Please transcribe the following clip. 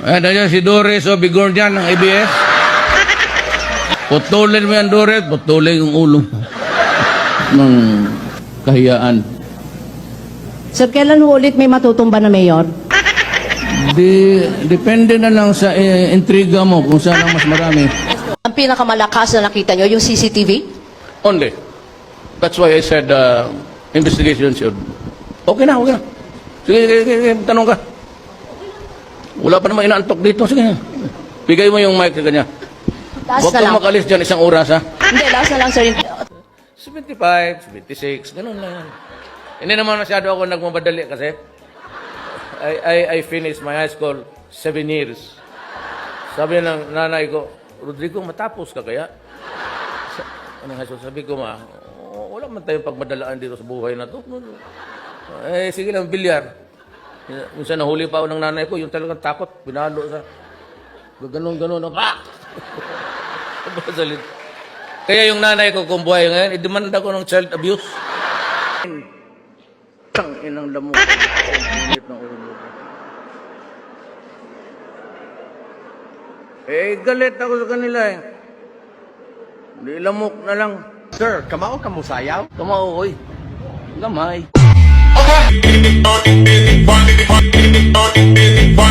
Ayan, nandiyan si Doris o Bigordian ng ABS. Putulin mo yan, Doris. Putulin yung ulo ng kahiyaan. Sir, kailan ho ulit may matutumba na mayor? Depende na lang sa intriga mo kung saan ang mas marami. Ang pinakamalakas na nakita nyo, yung CCTV? Only. That's why I said investigation should. Okay na, okay na. Sige, tanong ka. Wala pa naman inaantok dito. Sige. Bigay mo yung mic sa kanya. Last Huwag na lang. kang makalis dyan isang oras, ha? Hindi, last na lang, sir. 75, 76, ganun lang yan. Hindi naman masyado ako nagmamadali kasi I finished my high school 7 years. Sabi ng nanay ko, Rodrigo, matapos ka kaya? Anong high school? Sabi ko, wala man tayong pagmadalaan dito sa buhay na to. Sige lang, bilyar. Minsan nahuli pa ako ng nanay ko, yung talagang takot, pinalo sa ganon-ganon. Kaya yung nanay ko kung buhay ngayon, idemanda ko ng child abuse. Tang inang lamok. Galit ako sa kanila eh. Hindi lamok na lang. Sir, kamao ka mo sayaw? Kamao, oy. Gamay. Okay.